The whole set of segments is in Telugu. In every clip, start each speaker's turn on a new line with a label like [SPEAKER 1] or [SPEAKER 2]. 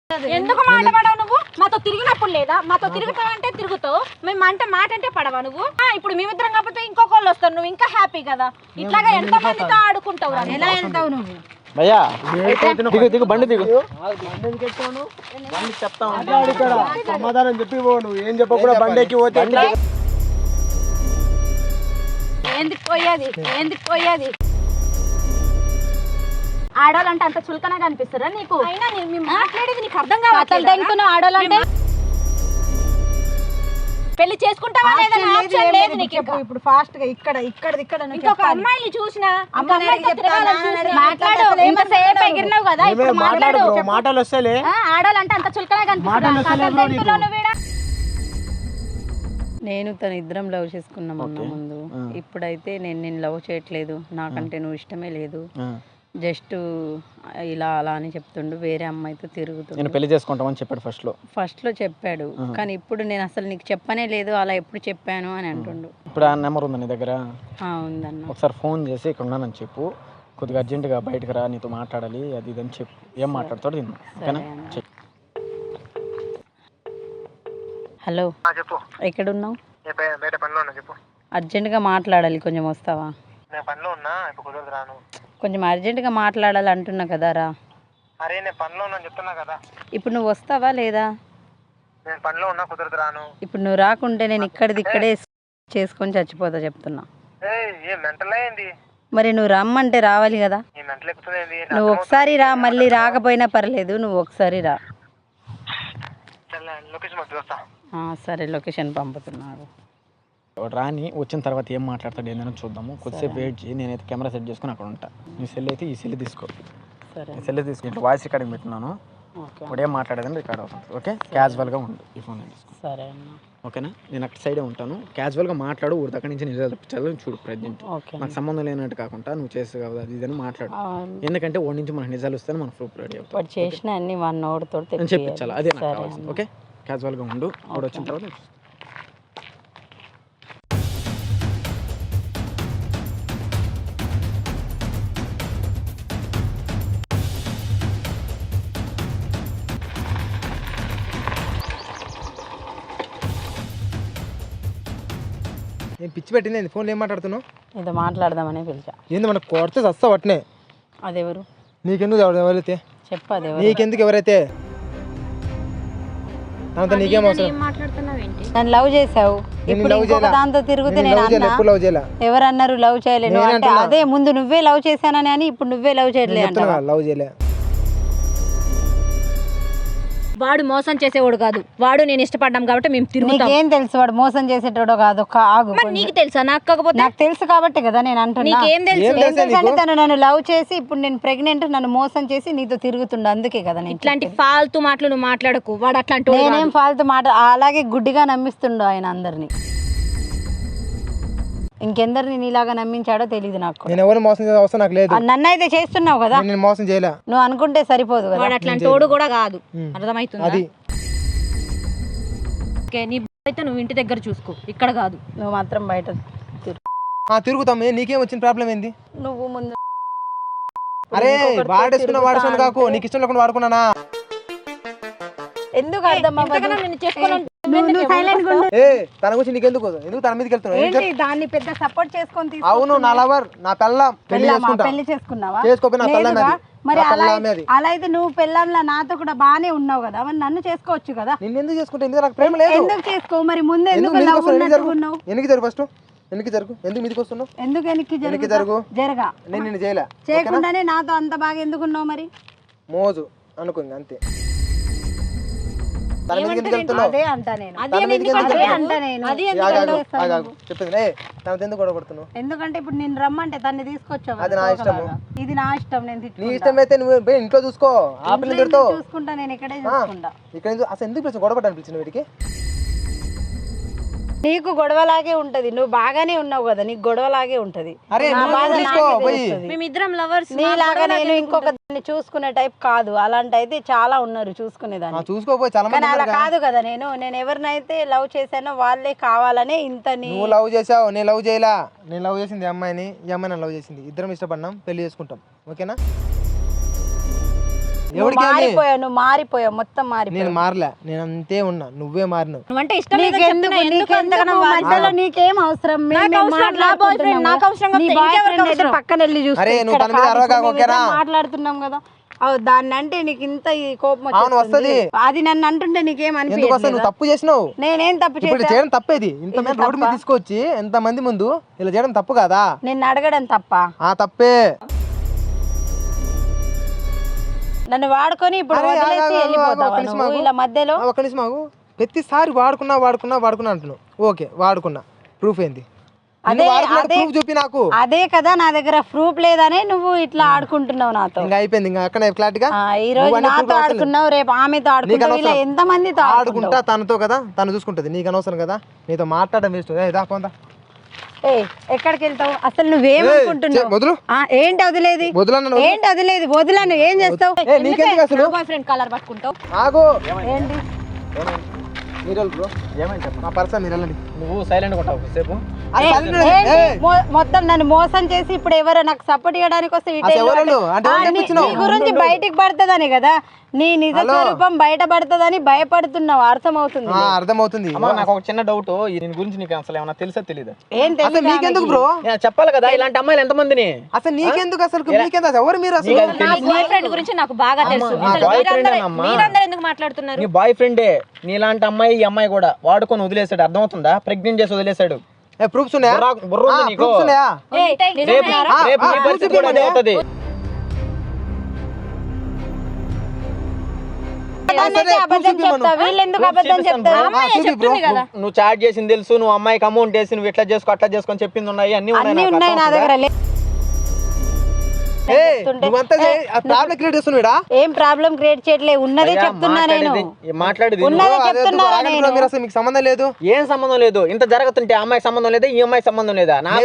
[SPEAKER 1] ఎందుకు మాట పడవు నువ్వు? మాతో తిరిగినప్పుడు లేదా? మాతో తిరుగుతావంటే తిరుగుతావు, మేము అంటే మాట అంటే పడవా నువ్వు? ఇప్పుడు మేమిద్దరం కాకపోతే ఇంకొకళ్ళు వస్తారు, నువ్వు ఇంకా హ్యాపీ కదా. ఇట్లాగా ఎంత మందితో ఆడుకుంటావు? ఎలా వెళ్తావు నువ్వు?
[SPEAKER 2] భయ్యా దిగు బండి దిగు.
[SPEAKER 3] సమాధానం చెప్పి నువ్వు ఏం చెప్పకుండా బండికి పోతే
[SPEAKER 1] ఎందుకు పోయేది? ఆడవాళ్ళంటే అంత చులకనగా కనిపిస్తారా నీకు? అయినా మేము మాట్లాడేది నీకు అర్థం కావట్లేదు. ఆడవాళ్ళంటే పెళ్లి చేసుకుంటావా లేదా? ఆప్షన్ లేదు నీకు.
[SPEAKER 4] ఇప్పుడు ఫాస్ట్ గా ఇక్కడ
[SPEAKER 1] ఇంకొక అమ్మాయిని చూసినా మాట్లాడు. ఇంతసేపు ఎగిరినావు కదా, ఇప్పుడు మాట్లాడు.
[SPEAKER 3] మాటలు వస్తలే.
[SPEAKER 1] ఆడవాళ్ళంటే అంత చులకనగా కనిపిస్తారా?
[SPEAKER 4] నేను తను ఇద్దరం లవ్ చేసుకున్నాం అన్న ముందు. ఇప్పుడైతే నేను లవ్ చేయట్లేదు, నాకంటే నువ్వు ఇష్టమే లేదు, జస్ట్ ఇలా అలా అని చెప్తుండు, వేరే అమ్మాయితో తిరుగుతుంది.
[SPEAKER 2] నేను పెళ్లి చేసుకుంటామని చెప్పాడు ఫస్ట్ లో
[SPEAKER 4] చెప్పాడు, కానీ ఇప్పుడు నేను అసలు నీకు చెప్పనే లేదు, అలా ఎప్పుడు చెప్పాను అని అంటుండు.
[SPEAKER 2] ఇప్పుడు ఆ నెంబర్ ఉందా నీ దగ్గర?
[SPEAKER 4] ఉందన్న.
[SPEAKER 2] ఒకసారి ఫోన్ చేసి ఇక్కడ ఉన్నానని చెప్పు, కొద్దిగా అర్జెంటుగా బయటకు రా, నీతో మాట్లాడాలి అది ఇదని చెప్పు. ఏం మాట్లాడతాడు తిన్నా, ఓకేనా?
[SPEAKER 4] హలో, ఎక్కడున్నావు? అర్జెంటుగా మాట్లాడాలి, కొంచెం వస్తావా? కొంచెం అర్జెంటుగా మాట్లాడాలి అంటున్నా కదా రా.
[SPEAKER 3] అరే నేను పనిలో ఉన్నా చెప్తున్నా కదా.
[SPEAKER 4] ఇప్పుడు నువ్వు వస్తావా లేదా?
[SPEAKER 3] నేను పనిలో ఉన్నా, కుదరదు రాను.
[SPEAKER 4] ఇప్పుడు నువ్వు రాకుంటే నేను ఇక్కడే చేసుకొని చచ్చిపోతా చెప్తున్నా. మరి నువ్వు రమ్మంటే రావాలి కదా. నువ్వు ఒకసారి రా, మళ్ళీ రాకపోయినా పర్లేదు, నువ్వు ఒకసారి రా. సరే, లొకేషన్ పంపుతున్నాడు.
[SPEAKER 2] రాని వచ్చిన తర్వాత ఏం మాట్లాడతాడు ఏందని చూద్దాము. కొద్దిసేపు వెయిట్ చేయి, నేనైతే కెమెరా సెట్ చేసుకుని అక్కడ ఉంటా. నీ సెల్ అయితే ఈ సెల్ తీసుకో.
[SPEAKER 4] సరే,
[SPEAKER 2] సెల్ తీసుకుంటే వాయిస్ రికార్డింగ్ పెట్టినాను, ఇప్పుడు ఏం మాట్లాడేదని రికార్డ్ అవుతుంది. ఓకే, క్యాజువల్గా ఉండు ఈ ఫోన్ తీసుకో.
[SPEAKER 4] సరే అన్న,
[SPEAKER 2] ఓకేనా? నేను అక్కడ సైడే ఉంటాను, క్యాజువల్గా మాట్లాడు. ఊరి దగ్గర నుంచి నిజాలు తప్పించాలి చూడు. ప్రజెంట్ నాకు సంబంధం లేనట్టు కాకుండా నువ్వు చేస్తావు కదా అది ఇదని మాట్లాడు. ఎందుకంటే ఓడి నుంచి మనకు నిజాలు వస్తే మనం ప్రూఫ్ రెడీ అవుతాం.
[SPEAKER 4] చేసిన అన్ని వన్ అవర్ తోటి
[SPEAKER 2] నేను చెప్పించాలి, అదే నాకు కావాల్సింది. ఓకే, క్యాజువల్గా ఉండు. ఆవిడ వచ్చిన తర్వాత
[SPEAKER 3] నేను పిచ్చి పెట్టింది ఫోన్లో ఏం మాట్లాడుతున్నావు?
[SPEAKER 4] ఇది మాట్లాడదామని పిలిచా.
[SPEAKER 3] ఏంది మనకు కొడితే వస్తా వట్నే.
[SPEAKER 4] అదెవరు?
[SPEAKER 3] నీకెందుకు ఎవరైతే
[SPEAKER 4] చెప్పు. అదెవరు?
[SPEAKER 3] నీకెందుకు ఎవరైతే? అంత నీకేం అవసరం?
[SPEAKER 4] నన్ను లవ్ చేసావు, ఇప్పుడు ఇంకొక దాంతో తిరుగుతే నేను అన్నా ఎవరన్నారు లవ్ చేయలేను అంటే? అదే ముందు నువ్వే లవ్ చేశానని అని ఇప్పుడు నువ్వే లవ్ చేయలేదు.
[SPEAKER 3] లవ్ చేయలే.
[SPEAKER 1] వాడు మోసం చేసేవాడు కాదు, వాడు నేను ఇష్టపడ్డాం కాబట్టి మేము తిరుగుతాం.
[SPEAKER 4] నీకేం తెలుసు వాడు మోసం చేసేటోడో కాదు? ఆగు,
[SPEAKER 1] నీకు తెలుసా? నాకు కాకపోతే
[SPEAKER 4] నాకు తెలుసు కాబట్టి కదా నేను అంటున్నా.
[SPEAKER 1] నీకేం తెలుసు?
[SPEAKER 4] తను నన్ను లవ్ చేసి ఇప్పుడు నేను ప్రెగ్నెంట్, నన్ను మోసం చేసి నీతో తిరుగుతుండ, అందుకే కదా నేను
[SPEAKER 1] ఇట్లాంటి ఫాల్తు మాటలు నువ్వు మాట్లాడకు. వాడు అట్లాంటి
[SPEAKER 4] నేనేం ఫాల్తు మాట, అలాగే గుడ్డిగా నమ్మిస్తుండు ఆయన అందరినీ. ఇంకెందరిని నీలాగా నమ్మించాడో తెలియదు నాకు.
[SPEAKER 3] నేను ఎవరు మోసం చేసే అవసరం నాకు లేదు.
[SPEAKER 4] నన్ను అయితే చేస్తున్నావు కదా,
[SPEAKER 3] నేను మోసం చేయలే.
[SPEAKER 4] నువ్వు అనుకుంటే సరిపోదు కదా.
[SPEAKER 1] వాడు అట్లాంటి తోడు కూడా కాదు, అర్థమవుతుంది? నీ అయితే నువ్వు ఇంటి దగ్గర చూసుకో, ఇక్కడ కాదు.
[SPEAKER 4] నువ్వు మాత్రం బయట
[SPEAKER 3] తిరుగుతాం. నీకేం వచ్చిన ప్రాబ్లం ఏంది?
[SPEAKER 4] నువ్వు ముందు
[SPEAKER 3] అరే వాడేసుకున్నా కాకు, నీకు ఇష్టం లేకుండా వాడుకున్నానా?
[SPEAKER 4] ఎందుకు అర్థం
[SPEAKER 3] తన గురించి నీకెందుకు? ఎందుకు తన మీదకి వెళ్తున్నావు?
[SPEAKER 4] దాన్ని పెద్ద సపోర్ట్ చేసుకొని
[SPEAKER 3] అవును, నా లవర్, నా పెళ్ళాం.
[SPEAKER 4] పెళ్లి చేసుకున్నావా? మరి అలా అయితే నువ్వు పెళ్ళంలా నాతో కూడా బానే ఉన్నావు కదా, మరి నన్ను చేసుకోవచ్చు కదా.
[SPEAKER 3] నిన్ను ఎందుకు చేసుకుంటే? ఎందుకు నాకు ప్రేమ లేదు.
[SPEAKER 4] ఎందుకు చేసుకో మరి? ముందు ఎందుకు
[SPEAKER 3] జరుగు ఫస్ట్, ఎందుకు జరుగు, ఎందుకు మీదకి వస్తున్నావు?
[SPEAKER 4] ఎందుకు వెనక్కి జరుగు? జరగా
[SPEAKER 3] నేను నిన్ను చేయలే,
[SPEAKER 4] చేయకుండానే నాతో అంత బాగా ఎందుకున్నావు? మరి
[SPEAKER 3] మోజు అనుకుంది అంతే.
[SPEAKER 4] చెప్పింది ఎందుకంటే ఇప్పుడు నేను రమ్మంటే తన్ని తీసుకొచ్చావు.
[SPEAKER 3] అది నా ఇష్టం,
[SPEAKER 4] ఇది నా ఇష్టం. నేను
[SPEAKER 3] నీ ఇష్టం అయితే నువ్వు ఇంట్లో చూసుకో, ఆ పిల్లలు తిడతావు.
[SPEAKER 4] చూసుకుంటా, నేను ఇక్కడే చూసుకుంటా.
[SPEAKER 3] ఇక్కడ అసలు ఎందుకు పిలిచి గొడవ పడ్డాను పిలిచిన వీటికి?
[SPEAKER 4] నీకు గొడవలాగే ఉంటది, నువ్వు బాగానే ఉన్నావు కదా, నీకు గొడవలాగే ఉంటది.
[SPEAKER 1] మేమిద్దరం లవర్స్.
[SPEAKER 4] నీలాగా నేను ఇంకొక దాన్ని చూసుకునే టైప్ కాదు. అలాంటి అయితే చాలా ఉన్నారు చూసుకునేదాన్ని. కానీ అలా కాదు కదా. నేను ఎవరినైతే లవ్ చేశానో వాళ్ళే కావాలనే ఇంత.
[SPEAKER 3] నువ్వు లవ్ చేసావు, నేను లవ్ చేయలా. నేను లవ్ చేసింది అమ్మాయిని, ఈ అమ్మాయి నన్ను లవ్ చేసింది. ఇద్దరం ఇష్టపడినాం, పెళ్లి చేసుకుంటాం. ఓకేనా?
[SPEAKER 4] నువ్వు మారిపోయావు మొత్తం మారిపోయావు.
[SPEAKER 3] నేను మారలే, నేను అంతే ఉన్నా, నువ్వే మారినావు.
[SPEAKER 1] నువ్వంటే ఇష్టం లేదని చెప్తున్నా, ఎందుకు అంతగానో
[SPEAKER 4] మధ్యలో నీకేం అవసరం?
[SPEAKER 1] నాకు అవసరం కాకపోతే ఇంకెవరికి అవసరం?
[SPEAKER 4] పక్కన వెళ్ళి
[SPEAKER 3] అరే నువ్వు తన మీద అరవగా ఓకేనా?
[SPEAKER 4] మాట్లాడుతున్నాం కదా, దాన్ని అంటే నీకు ఇంత ఈ కోపం
[SPEAKER 3] అవును వస్తది.
[SPEAKER 4] అది నన్ను అంటుంటే నీకేం
[SPEAKER 3] ఎందుకు వస్తా?
[SPEAKER 4] అనిపించదు?
[SPEAKER 3] నువ్వు తప్పు చేసినావు.
[SPEAKER 4] నేనేం తప్పు
[SPEAKER 3] ఇప్పుడు
[SPEAKER 4] చేశా?
[SPEAKER 3] చేయడం తప్పేది. ఇంత మంది రోడ్డు మీద తీసుకొచ్చి ఎంత మంది ముందు ఇలా చేయడం తప్పు కదా?
[SPEAKER 4] నిన్ను అడగడం తప్ప?
[SPEAKER 3] తప్పే.
[SPEAKER 4] నన్ను వాడుకొని ఇప్పుడు వదిలేసి వెళ్ళిపోతావా నువ్వు ఇలా మధ్యలో?
[SPEAKER 3] ఒక నిమిషం ఆగు. ప్రతిసారి వాడుకున్నా అంటున్నావు. ఓకే వాడుకున్నా, ప్రూఫ్ ఏంది? ప్రూఫ్ చూపి నాకు.
[SPEAKER 4] అదే కదా నా దగ్గర ప్రూఫ్ లేదనే నువ్వు ఇట్లా ఆడుకుంటున్నావు నాతో.
[SPEAKER 3] ఇంకా అయిపోయింది, ఇంకా అక్కడ క్లారిటీగా.
[SPEAKER 4] ఈ రోజు నాతో ఆడుకున్నావు, రేపు ఆమెతో ఆడుకుంటావు, ఇలా ఎంత మందితో
[SPEAKER 3] ఆడుకుంటా? తనతో కదా, తను చూసుకుంటది, నీకు అనవసరం కదా. నీతో మాట్లాడడం వేస్ట్. పోందా.
[SPEAKER 4] ఎక్కడికి వెళ్తావు అసలు? నువ్వేమనుకుంటున్నావు?
[SPEAKER 3] వదులు.
[SPEAKER 4] ఏంటి వదిలేది?
[SPEAKER 3] వదలను.
[SPEAKER 4] ఏంటి వదిలేది? వదిలను. ఏం చేస్తావు?
[SPEAKER 3] నీకెందుకు అసలు?
[SPEAKER 1] బాయ్ ఫ్రెండ్ కలర్ పట్టుకుంటావు.
[SPEAKER 3] ఆగు.
[SPEAKER 4] ఏంటి
[SPEAKER 3] మీరు బ్రో ఏమైంది చెప్పు. నా పర్సన్ మీరు వెళ్ళండి.
[SPEAKER 2] నువ్వు సైలెంట్ ఉంటావు సేపు.
[SPEAKER 4] మొత్తం నన్ను మోసం చేసి ఇప్పుడు ఎవరో నాకు సపోర్ట్ చేయడానికి వస్తే నీ గురించి బయటికి పడుతుందని కదా, నీ నిజ స్వరూపం బయట పడుతుందని భయపడుతున్నావు. అర్థమవుతుంది?
[SPEAKER 3] అర్థమవుతుంది.
[SPEAKER 2] నాకు ఒక చిన్న డౌట్, దీని గురించి నీకు అసలు ఏమన్నా తెలుసా తెలీదా?
[SPEAKER 4] ఏం తెలుసు
[SPEAKER 3] నీకెందుకు బ్రో?
[SPEAKER 2] చెప్పాలి కదా, ఇలాంటి అమ్మాయిలు ఎంత మందిని.
[SPEAKER 3] అసలు నీకెందుకు? అసలు నీకెందుకు? ఎవరు మీరు అసలు?
[SPEAKER 1] నా బాయ్ ఫ్రెండ్ గురించి నాకు బాగా తెలుసు. మీరందరూ ఎందుకు మాట్లాడుతున్నారు?
[SPEAKER 2] నీ బాయ్ ఫ్రెండే నీలాంటి అమ్మాయి, ఈ అమ్మాయి కూడా వాడుకొని వదిలేసాడు. అర్థమవుతుందా? ప్రెగ్నెంట్ చేసి వదిలేసాడు.
[SPEAKER 3] ప్రూఫ్స్ ఉన్నాయా?
[SPEAKER 2] బుర్ర ఉంది నీకు?
[SPEAKER 3] ప్రూఫ్స్ ఉన్నాయా?
[SPEAKER 2] రేపు నీ పరిస్థితి కూడా అదే అవుతుంది. నువ్వు చాట్ చేసింది తెలుసు, నువ్వు అమ్మాయికి అమౌంట్ వేసి నువ్వు ఇట్లా చేసుకో అట్లా చేసుకొని చెప్పింది ఉన్నాయి, అన్ని
[SPEAKER 4] ఉన్నాయి నా దగ్గర. ఏం ప్రాబ్లం క్రియేట్ చేయట్లేదు, ఉన్నదే చెప్తున్నా నేను.
[SPEAKER 2] మాట్లాడేది
[SPEAKER 3] మీకు సంబంధం లేదు.
[SPEAKER 2] ఏం సంబంధం లేదు? ఇంత జరుగుతుంటే అమ్మాయికి సంబంధం లేదా, ఈ అమ్మాయికి సంబంధం లేదా? నాకు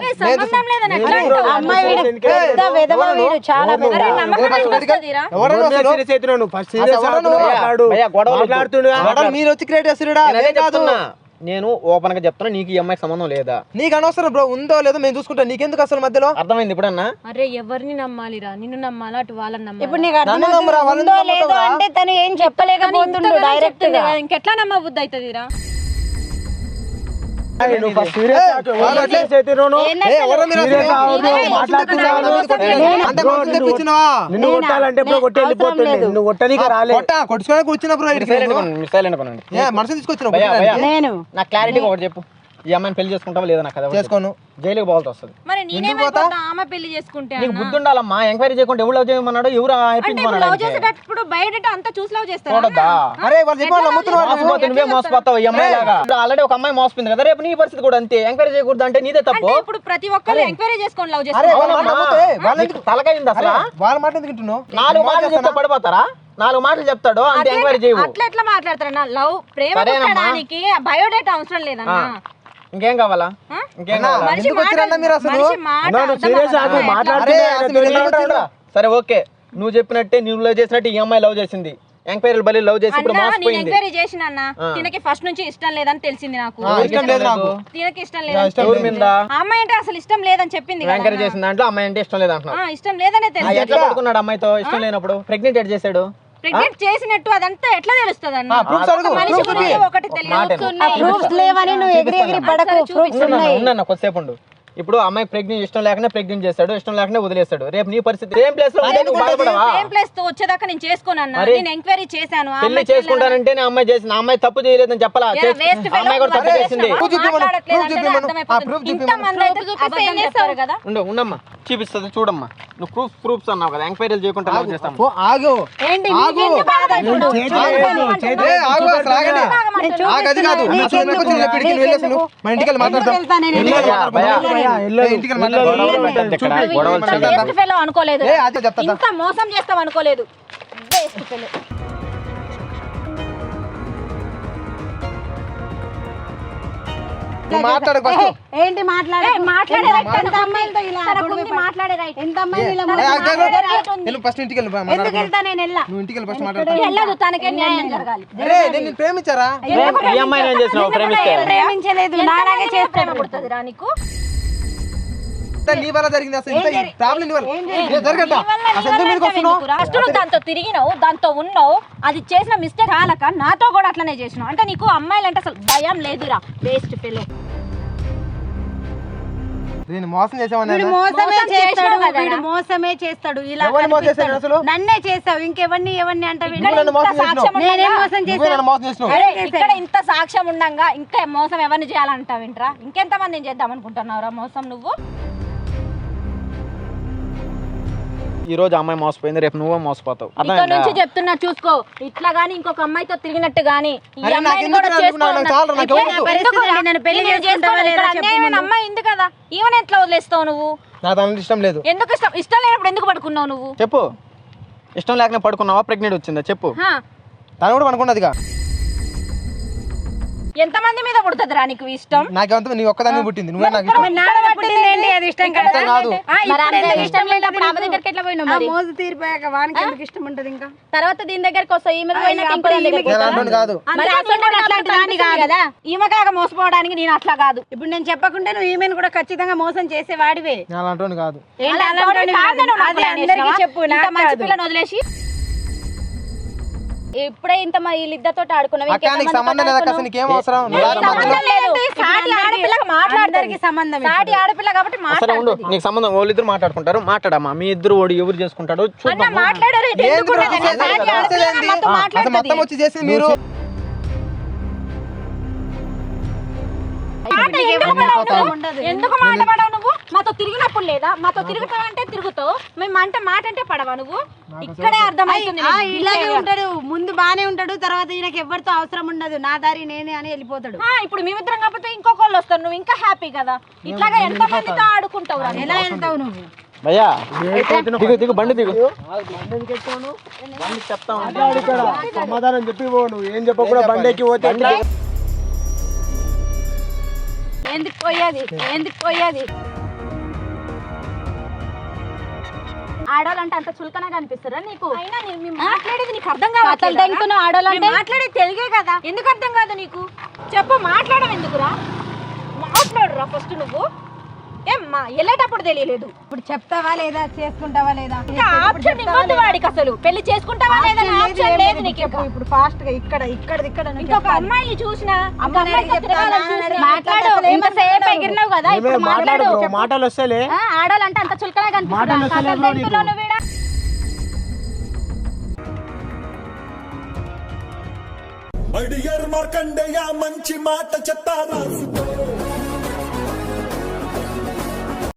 [SPEAKER 3] మీరు వచ్చి క్రియేట్ చేస్తున్నా.
[SPEAKER 2] నేను ఓపెన్ గా చెప్తున్నా, నీకు ఈ అమ్మాయికి సంబంధం లేదా?
[SPEAKER 3] నీకు అనవసరం బ్రో, ఉందో లేదో మేము చూసుకుంటాం, నీకెందుకు అసలు మధ్యలో?
[SPEAKER 2] అర్థమైంది ఇప్పుడన్నా?
[SPEAKER 1] అరే ఎవరిని నమ్మాలిరా? నిన్ను నమ్మాలా అటు వాళ్ళని నమ్మాలి?
[SPEAKER 4] ఇప్పుడు నీకు అర్థమవుతుందో లేదో అంటే తను ఏం చెప్పలేకపోతుండు డైరెక్ట్ గా.
[SPEAKER 1] ఇంకెట్లా నమ్మబుద్ధి అవుతుందిరా?
[SPEAKER 4] నేను
[SPEAKER 2] నా క్లారిటీ ఒకటి చెప్పు, ఈ అమ్మాయిని పెళ్లి చేసుకుంటావా లేదా? నాకు
[SPEAKER 3] చేసుకోను,
[SPEAKER 2] జైలుకి పోవాల్సి వస్తుంది.
[SPEAKER 1] మరి నేనేమైపోతా? ఆమె పెళ్లి చేసుకుంటే
[SPEAKER 2] నీకు బుద్ధి ఉండాలమ్మా. ఎంక్వైరీ చేయకుండా ఎవరు లవ్ చేయమన్నాడు? ఎవరు
[SPEAKER 1] లవ్ చేసేటప్పుడు బయట అంతా చూసి లవ్ చేస్తారు.
[SPEAKER 2] నువ్వే మోసపోతావు ఈ అమ్మాయి లాగా. ఆల్రెడీ ఒక అమ్మాయి మోసపోయింది కదా, రేపు నీ పరిస్థితి కూడా అంతే. ఎంక్వైరీ చేయకూడదు అంటే నీదే తప్పు.
[SPEAKER 1] ఇప్పుడు ప్రతి ఒక్కరు ఎంక్వైరీ చేసుకొని లవ్ చేస్తారు.
[SPEAKER 2] తలకైంది అసలు.
[SPEAKER 3] వాళ్ళ మాట ఎందుకు వింటున్నావు?
[SPEAKER 2] 4 మాటలు చెప్తే పడిపోతారా? 4 మాటలు చెప్తాడు అంతే, ఎంక్వైరీ చేయవు.
[SPEAKER 1] అట్లా ఎట్లా మాట్లాడతారన్నా? లవ్ ప్రేమ పుట్టడానికి బయోడేటా అవసరం లేదన్నా.
[SPEAKER 2] ఇంకేం కావాలా? ఇంకేం కావాలా? సరే ఓకే, నువ్వు చెప్పినట్టే నువ్వు లవ్ చేసినట్టు ఈ అమ్మాయి లవ్ చేసింది. ఎంక్వైరీ బలి లవ్ చేసి ఇప్పుడు మోసపోయింది.
[SPEAKER 1] ఎంక్వైరీ చేసిన తినకి ఫస్ట్ నుంచి ఇష్టం లేదని తెలిసింది నాకు.
[SPEAKER 3] ఇష్టం లేదు నాకు.
[SPEAKER 1] తినకి ఇష్టం లేదని, అమ్మాయి అంటే అసలు ఇష్టం లేదని చెప్పింది.
[SPEAKER 2] ఎంక్వైరీ చేసిన దాంట్లో అమ్మాయి అంటే ఇష్టం లేదంటున్నావు.
[SPEAKER 1] ఇష్టం లేదనే తెలిసింది.
[SPEAKER 2] ఎట్లా పడుకున్నాడు అమ్మాయితో? ఇష్టం లేనప్పుడు ప్రెగ్నెంట్ ఎట్ చేశాడు?
[SPEAKER 1] ప్రెగ్నెంట్ చేసినట్టు అదంతా ఎట్లా తెలుస్తుంది అన్న? ఒకటి
[SPEAKER 4] ప్రూఫ్స్ లేవని నువ్వు ఎగిరి ఎగిరి పడకు. ప్రూఫ్స్ ఉన్నాయి.
[SPEAKER 2] ఉన్నా కొద్దిసేపు ఉండు. ఇప్పుడు అమ్మాయి ప్రెగ్నెంట్ ఇష్టం లేకనే ప్రెగ్నెంట్ చేస్తాడు, ఇష్టం లేకనే వదిలేస్తాడు. రేపు నీ పరిస్థితి ఏం ప్లేస్ లో
[SPEAKER 1] వచ్చేదాకా నేను చేసుకోనన్నా. నేను ఎంక్వైరీ చేశాను.
[SPEAKER 2] పెళ్లి చేసుకుంటానంటే అమ్మాయి చేసిన అమ్మాయి తప్పు చేయలేదని చెప్పాలా? అమ్మాయి కూడా తప్పు చేసింది. ఉండమ్మా, చూపిస్తుంది చూడమ్మా. నువ్వు ప్రూఫ్స్ అన్నావు కదా, ఎంక్వైరీలు చేయకుండా లవ్ చేస్తాం.
[SPEAKER 1] అనుకోలేదు, ఇంత మోసం చేస్తాం అనుకోలేదు.
[SPEAKER 4] ఏంటి మాట్లాడే
[SPEAKER 3] ప్రేమించారా?
[SPEAKER 1] ప్రేమించలేదు. నాలాగే చేసి ప్రేమ పుడుతుంది రా నీకు.
[SPEAKER 3] అంతా నీ వల్ల జరిగింది. అసలు ఇంత ప్రాబ్లం నీ వల్ల జరగద్దా? అసలు ఎందుకు మీదకి వస్తున్నావు?
[SPEAKER 1] ఫస్ట్ నువ్వు దాంతో తిరిగినావు, దాంతో ఉన్నావు, అది చేసిన మిస్టేక్ కాలక నాతో కూడా అట్లనే చేసినావు. అంటే నీకు అమ్మాయిలంటే అసలు భయం లేదురా, వేస్ట్ ఫెలో.
[SPEAKER 3] నేను మోసం చేసామని
[SPEAKER 4] మోసమే చేస్తాడు. ఇలా
[SPEAKER 3] ఎవరిని మోసం చేశాడు అసలు?
[SPEAKER 4] నన్నే చేస్తావు, ఇంకెవరిని అంటే
[SPEAKER 3] నువ్వు నన్ను మోసం చేసినావు. నువ్వే నన్ను మోసం చేసినావు.
[SPEAKER 1] ఇక్కడ ఇంత సాక్ష్యం ఉండంగా ఇంకా మోసం ఎవరిని చేయాలంటావేంట్రా? ఇంకెంత మందిని చేద్దాం అనుకుంటున్నావురా మోసం నువ్వు?
[SPEAKER 2] ఈ రోజు అమ్మాయి మోసపోయింది, రేపు నువ్వే మోసపోతావు.
[SPEAKER 1] ఇక్కడ నుంచి చెప్తున్నా చూసుకో, ఇట్లా గానీ ఇంకొక అమ్మాయితో తిరిగినట్టు గానీ ఈ
[SPEAKER 3] అరే నాకు
[SPEAKER 1] అమ్మాయిని
[SPEAKER 3] ఎందుకు
[SPEAKER 1] కూడా
[SPEAKER 3] రా? నాకు చాలు రా, నాకు ఎవరు వద్దు.
[SPEAKER 4] నన్ను పెళ్లి చేసుకుంటావా లేదా చెప్పు ముందు.
[SPEAKER 1] అమ్మాయి ఉంది కదా, ఈవెన్ ఎట్లా వదిలేస్తావు నువ్వు?
[SPEAKER 3] నాకు దాని ఇష్టం లేదు.
[SPEAKER 1] ఎందుకు ఇష్టం లేనప్పుడు ఎందుకు పడుకున్నావు నువ్వు?
[SPEAKER 2] చెప్పు, ఇష్టం లేకనే పడుకున్నావా? ప్రెగ్నెంట్ వచ్చిందా చెప్పు.
[SPEAKER 1] హా,
[SPEAKER 3] తను కూడా అనుకున్నదిగా.
[SPEAKER 1] ఎంతమంది మీద పుడుతుందిరా నీకు ఇష్టం?
[SPEAKER 3] నాకేమంతా నీ ఒక్కదాన్ని పుట్టింది, నువ్వే నాకు ఇష్టం.
[SPEAKER 4] అది ఇష్టం కదా.
[SPEAKER 3] ఇష్టం కాదు.
[SPEAKER 1] మరి అందరికి ఇష్టం లేనప్పుడు ఆమె దగ్గరికి ఎట్లా పోయినావు మరి?
[SPEAKER 4] మోజు తీరిపోయాక వానికి ఎందుకు ఇష్టం ఉంటది ఇంకా?
[SPEAKER 1] తర్వాత దీని దగ్గరికి వస్తావు, ఈమె పోయినాక ఇంకో దాని దగ్గరికి
[SPEAKER 3] నేను
[SPEAKER 1] వస్తావా?
[SPEAKER 3] అంటుంది కాదు.
[SPEAKER 1] మరి అట్లాంటి దాన్ని కాదు కదా, ఈమెకాగా మోసపోవడానికి నేను అట్లా కాదు.
[SPEAKER 4] ఇప్పుడు నేను చెప్పకుండా నువ్వు ఈమెను కూడా ఖచ్చితంగా మోసం చేసే వాడివే.
[SPEAKER 3] నేను అలా అంటుంది కాదు.
[SPEAKER 4] ఏంటి అలాంటి
[SPEAKER 1] కాదు నువ్వు
[SPEAKER 4] అది
[SPEAKER 1] నాకు
[SPEAKER 4] అందరికీ
[SPEAKER 1] చేసినావా?
[SPEAKER 4] చెప్పు,
[SPEAKER 1] ఇంత
[SPEAKER 4] నాకు
[SPEAKER 1] మంచి
[SPEAKER 4] కాదు.
[SPEAKER 1] పిల్లని వదిలేసి ఇప్పుడే ఇంత వీళ్ళిద్దరితో ఆడుకున్నావు.
[SPEAKER 3] అక్క నీకు సంబంధం లేదా? అసలు నీకేం అవసరం? నువ్వు రారా మధ్యలో?
[SPEAKER 1] సాటి ఆడపిల్లగా మాట్లాడడానికి
[SPEAKER 4] సంబంధం
[SPEAKER 1] సాటి ఆడపిల్ల కాబట్టి
[SPEAKER 2] సరే ఉండు,
[SPEAKER 1] మాట్లాడుతుంది.
[SPEAKER 2] నీకు సంబంధం వాళ్ళిద్దరు మాట్లాడుకుంటారు. మాట్లాడమ్మా, మీ ఇద్దరు ఓడి ఎవరు చేసుకుంటాడో
[SPEAKER 1] అన్న
[SPEAKER 2] చూద్దాం.
[SPEAKER 1] మాట్లాడారు, ఇది
[SPEAKER 3] ఏంది
[SPEAKER 1] ఎందుకు
[SPEAKER 3] బ్రో
[SPEAKER 1] ఉండదు?
[SPEAKER 3] చేసేది?
[SPEAKER 1] సాటి ఆడపిల్లగా
[SPEAKER 3] చేసేది ఏంది?
[SPEAKER 1] మాతో
[SPEAKER 3] అసలు
[SPEAKER 1] మాట్లాడుతుంది.
[SPEAKER 3] మొత్తం వచ్చి చేసింది మీరు.
[SPEAKER 1] మాట ఎందుకు పడవు నువ్వు? ఎందుకు మాట పడవు నువ్వు? మాతో తిరిగినప్పుడు లేదా? మాతో తిరుగుతావంటే తిరుగుతావు, మేము మాట అంటే పడవా నువ్వు? ఇక్కడే అర్థమవుతుంది నీకు.
[SPEAKER 4] ఇలాగే ఉంటాడు, ముందు బానే ఉంటాడు, తర్వాత ఈయనకి ఎవరితో అవసరం ఉండదు, నా దారి నేనే అని వెళ్ళిపోతాడు.
[SPEAKER 1] ఇప్పుడు మేమిద్దరం కాకపోతే ఇంకొకళ్ళు వస్తారు, నువ్వు ఇంకా హ్యాపీ కదా. ఇట్లాగా ఎంత మందితో ఆడుకుంటావు రా?
[SPEAKER 4] ఎలా వెళ్తావు నువ్వు?
[SPEAKER 2] భయ్యా దిగు బండి దిగు. చెప్తా
[SPEAKER 3] సమాధానం చెప్పి నువ్వు ఏం చెప్పకుండా బండికి పోతే
[SPEAKER 1] ఎందుకు పోయేది? ఆడవాళ్ళంటే అంత చులకనగా అనిపిస్తారా నీకు? అయినా మేము మాట్లాడేది నీకు అర్థం కావట్లేదు. ఆడవాళ్ళంటే మాట్లాడేది తెలుగే కదా, ఎందుకు అర్థం కాదు నీకు? చెప్పు, మాట్లాడడం ఎందుకురా? మాట్లాడురా ఫస్ట్ నువ్వు. ఏమ్మా వెళ్ళేటప్పుడు తెలియలేదు,
[SPEAKER 4] ఇప్పుడు చెప్తావా లేదా, చేసుకుంటావా లేదా?
[SPEAKER 1] ఆప్షన్ ఇవ్వద్దు వాడికి. అసలు పెళ్లి చేసుకుంటావా లేదా ఆప్షన్ లేదు నీకు.
[SPEAKER 4] ఇప్పుడు ఫాస్ట్ గా ఇక్కడ
[SPEAKER 1] ఇంకొక అమ్మాయిని చూసినా మాట్లాడు. ఇంతసేపు ఎగిరినావు కదా, ఇప్పుడు మాట్లాడు.
[SPEAKER 3] మాటలు వస్తేలే.
[SPEAKER 1] ఆడాలంటే అంత చులకనగా కనిపిస్తున్నా.
[SPEAKER 5] అడియర్ మార్కండేయ మంచి మాట చెప్తారా